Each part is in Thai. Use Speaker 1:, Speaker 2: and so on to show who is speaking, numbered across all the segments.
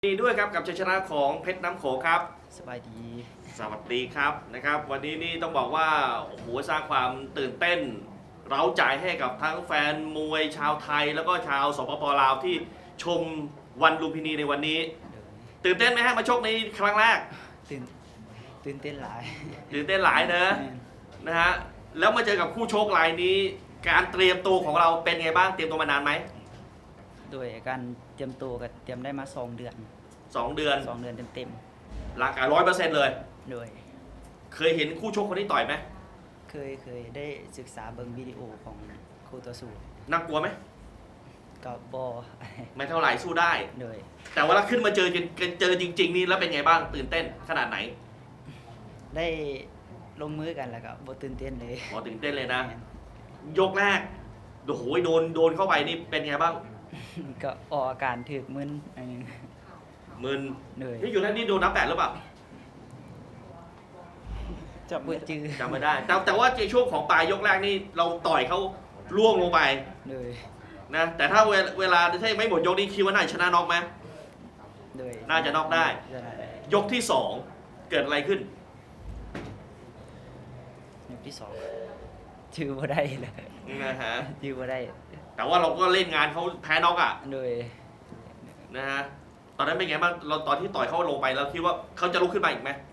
Speaker 1: ดีด้วยครับกับชัยชนะของเพชรน้ำโขงครับ
Speaker 2: สบายดี
Speaker 1: สวัสดีครับนะครับวันนี้นี่ต้องบอกว่าโอ้โหสร้างความตื่นเต้นเร้าใจให้กับทั้งแฟนมวยชาวไทยแล้วก็ชาวสปปลาวที่ชมวันลุมพินีในวันนี้ตื่นเต้นไหมฮะมาชกในครั้งแรก
Speaker 2: ตื่นตื่นเต้นหลาย
Speaker 1: ตื่นเต้นหลายนะฮะแล้วมาเจอกับคู่ชกรายนี้ การเตรียมตัวของเราเป็นไงบ้างเตรียมตัวมานานไหม
Speaker 2: โดยการเตรียมตัวก็เตรียมได้มา2 เดือน
Speaker 1: 2 เดือน
Speaker 2: เต็ม
Speaker 1: ร่างกาย100%เลย
Speaker 2: โดย
Speaker 1: เคยเห็นคู่ชกคนที่ต่อยไหม
Speaker 2: เคยได้ศึกษาเบิ่งวิดีโอของครูต่อสู้
Speaker 1: น่ากลัวไหม
Speaker 2: กับบอ
Speaker 1: ไม่เท่าไหร่สู้ได้
Speaker 2: โดย
Speaker 1: แต่ว่าขึ้นมาเจอจริงๆนี่แล้วเป็นไงบ้างตื่นเต้นขนาดไหน
Speaker 2: ได้ลงมือกันแล้วก็บ่ตื่นเต้นเลย
Speaker 1: ตื่นเต้นเลยนะ ยกแรกโอ้โหโดนเข้าไปนี่เป็นไงบ้าง
Speaker 2: ก็ออกอาการถึกมึน
Speaker 1: มึน
Speaker 2: เลย
Speaker 1: นี่อยู่นั่นนี่โดนนับ8หรือเปล่า
Speaker 2: จำ
Speaker 1: ไม่ได้แต่ว่าในช่วงของปลายยกแรกนี่เราต่อยเขาล่วงลงไป
Speaker 2: เลย
Speaker 1: นะแต่ถ้าเวลาถ้าไม่หมดยกนี้คิดว่าน่าชนะน็อกไหมน่าจะน็อกได้ยกที่2เกิดอะไรขึ้น
Speaker 2: ยกที่2ชื่อบ่ได้เลย
Speaker 1: นะฮะ
Speaker 2: ชื่อบ่ได้
Speaker 1: แต่ว่าเราก็เล่นงานเขาแพ้น็อกอ่ะ
Speaker 2: โดย
Speaker 1: นะฮะตอนนั้นเป็นไงบ้างเราตอนที่ต่อยเขาลงไปแล้วคิดว่าเขาจะลุกขึ้นมาอีกไหม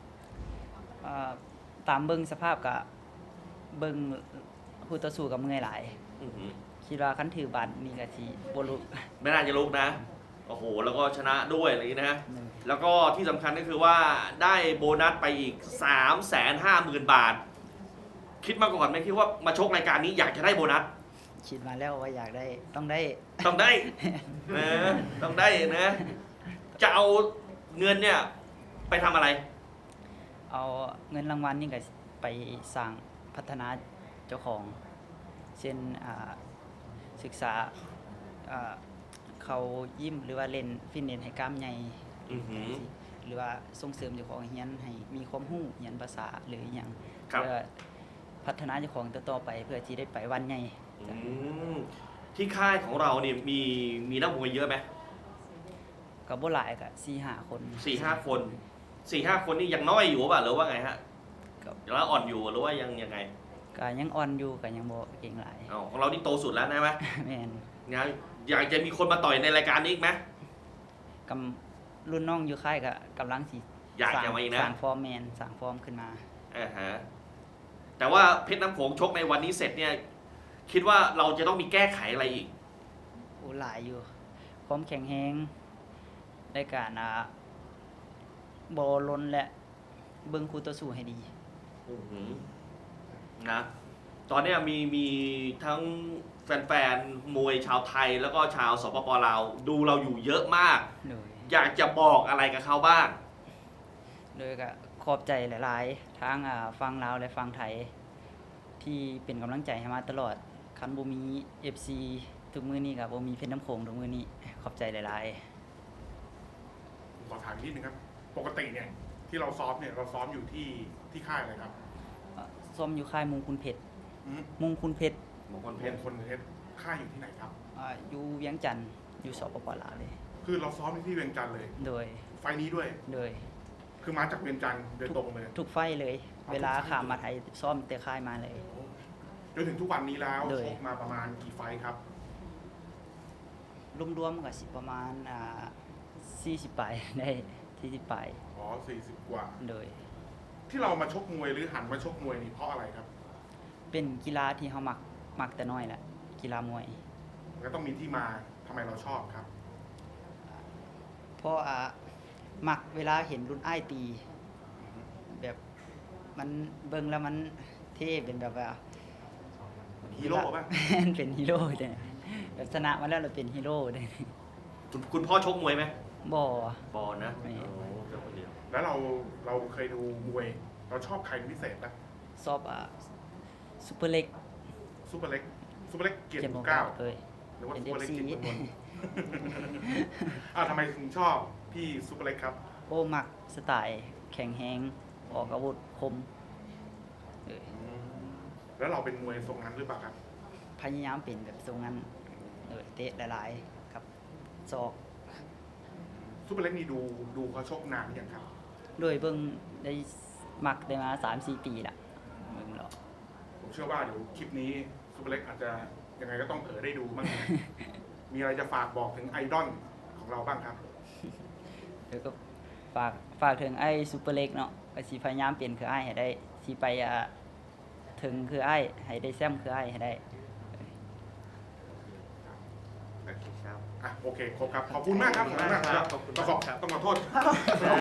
Speaker 2: ตามเบิ้งสภาพกับเบิ้งคู่ต่อสู้กับเมื่อยหลายคิดว่าคันถือบัตรนี่ก็สิบ่ลุก
Speaker 1: ไม่น่าจะลุกนะโอ้โหแล้วก็ชนะด้วยอะไรอย่างนี้นะแล้วก็ที่สำคัญก็คือว่าได้โบนัสไปอีก 350,000 บาทคิดมาก่อนไหมคิดว่ามาชกรายการนี้อยากจะได้โบนัส
Speaker 2: คิดมาแล้วว่าอยากได้ต้องได้
Speaker 1: นะต้องได้นะจะเอาเงินเนี่ยไปทำอะไร
Speaker 2: เอาเงินรางวัลนี่ก็ไปสร้างพัฒนาเจ้าของเช่นศึกษาเขายิ้มหรือว่าเล่นฟิตเนสให้กล้ามใหญ่หรือว่าส่งเสริมเจ้าของเฮียนให้มีความรู้เฮียนภาษาหรืออย่างเพื่อพัฒนาเจ้าของต่อไปเพื่อที่ได้ไปวันใหญ่
Speaker 1: ที่ค่ายของเราเนี่ยมีนักมวยเยอะไหม
Speaker 2: ก็บ่หลายก็ 4-5 คน
Speaker 1: 4-5 คนนี่ยังน้อยอยู่ป่ะหรือว่าไงฮะแล้วอ่อนอยู่หรือว่ายังไง
Speaker 2: ก็ยังอ่อนอยู่ก็ยังบ่เก่งหลาย
Speaker 1: ของเรานี่โตสุดแล้วใช่ไหม
Speaker 2: แม่น
Speaker 1: อยากจะมีคนมาต่อยในรายการนี้อีกไหม
Speaker 2: กรุ่นน้องอยู่ค่ายก็กำลังสิ
Speaker 1: อยากจะมาอีกนะ
Speaker 2: สร้างฟอร์มขึ้นมา
Speaker 1: แต่ว่าเพชรน้ำโขงชกในวันนี้เสร็จเนี่ยคิดว่าเราจะต้องมีแก้ไขอะไรอีก
Speaker 2: หลายอยู่ความแข็งแรงในการบ่ล้นและเบิ่งคู่ต่อสู้ให้ดี
Speaker 1: นะตอนนี้มีทั้งแฟนๆมวยชาวไทยแล้วก็ชาวสปปลาวดูเราอยู่เยอะมากอยากจะบอกอะไรกับเขาบ้าง
Speaker 2: โดยก็ขอบใจหลายๆทั้งฟังลาวและฟังไทยที่เป็นกำลังใจให้มาตลอดคันบ่มี FC ทุกมื้อนี้ก็บ่มีเพชรน้ำโขงทุกมื้อนี้ขอบใจหลาย
Speaker 3: ๆขอถามนิดนึงครับปกติเนี่ยที่เราซ้อมเนี่ยเราซ้อมอยู่ที่ค่ายอะไรครับ
Speaker 2: ซ้อมอยู่ค่ายมงคลเพชรมงคลเพชร
Speaker 3: ค่ายอยู่ที่ไหนครับ
Speaker 2: อยู่เวียงจันทร์อยู่สปปลาวเลย
Speaker 3: คือเราซ้อมที่เวียงจันทร์เลย
Speaker 2: โดย
Speaker 3: ไฟนี้ด้วยคือมาจากเวียงจันทร์โดยตรงเลย
Speaker 2: ทุกไฟเลยเวลาข้ามมาไทยซ้อมแต่ค่ายมาเลย
Speaker 3: จนถึงทุกวันนี้แล้วชกมาประมาณกี่ไฟครับ
Speaker 2: รวมๆก็สิประมาณ40 ปลายได้40 ปลาย
Speaker 3: 40 กว่า
Speaker 2: โดย
Speaker 3: ที่เรามาชกมวยหรือหันมาชกมวยนี่เพราะอะไรครับ
Speaker 2: เป็นกีฬาที่เขามักแต่น้อยแหละกีฬามวย
Speaker 3: ก็ต้องมีที่มาทำไมเราชอบครับ
Speaker 2: เพราะมักเวลาเห็นรุ่นอ้ายตีแบบมันเบิ่งแล้วมันเท่เป็นแบบว่า
Speaker 3: ฮีโร่ป่ะ
Speaker 2: เป็นฮีโร่เนี่ยแบบชนะมาแล้วเราเป็นฮีโร่ได้
Speaker 1: คุณพ่อชกมวยไหม
Speaker 2: บ่
Speaker 1: นะ
Speaker 3: แล้วเราเคยดูมวยเราชอบใครเป็นพิเศษไหม
Speaker 2: ชอบซุปเปอร์เล็ก
Speaker 3: เกียรติ9
Speaker 2: เลย
Speaker 3: หรือว่าซุปเปอร์เล็กเกียรติมนทำไมถึงชอบพี่ซุปเปอร์เล็กครับ
Speaker 2: มักสไตล์แข็งแรงออกอาวุธคม
Speaker 3: แล้วเราเป็นมวยทรงนั้นหรือเปล่าครับ
Speaker 2: พยายามเป็นแบบทรงนั้นเตะหลายๆครับศอก
Speaker 3: ซูเปอร์เล็กนี่ดูเขาชกนานหรือยังครับ
Speaker 2: โดยเบิ่งได้มักได้มา 3-4 ปีละเบิ่งแล้ว
Speaker 3: ผมเชื่อว่าเดี๋ยวคลิปนี้ซูเปอร์เล็กอาจจะยังไงก็ต้องได้ดูบ้าง นะมีอะไรจะฝากบอกถึงไอดอลของเราบ้างครับ
Speaker 2: เดี๋ยวก็ฝากถึงไอ้ซูเปอร์เล็กเนาะก็สิพยายามเปลี่ยนคือไอ้ให้ได้สิไปถึงคือไอ้ให้ได้แซมคือไอ้ให้ได้
Speaker 1: โอเคครับ
Speaker 3: โอเคครบครับ ขอบคุณมากครับ
Speaker 1: ขอบคุณมากครับขอบคุณมากครับ
Speaker 3: ต้องขอโทษ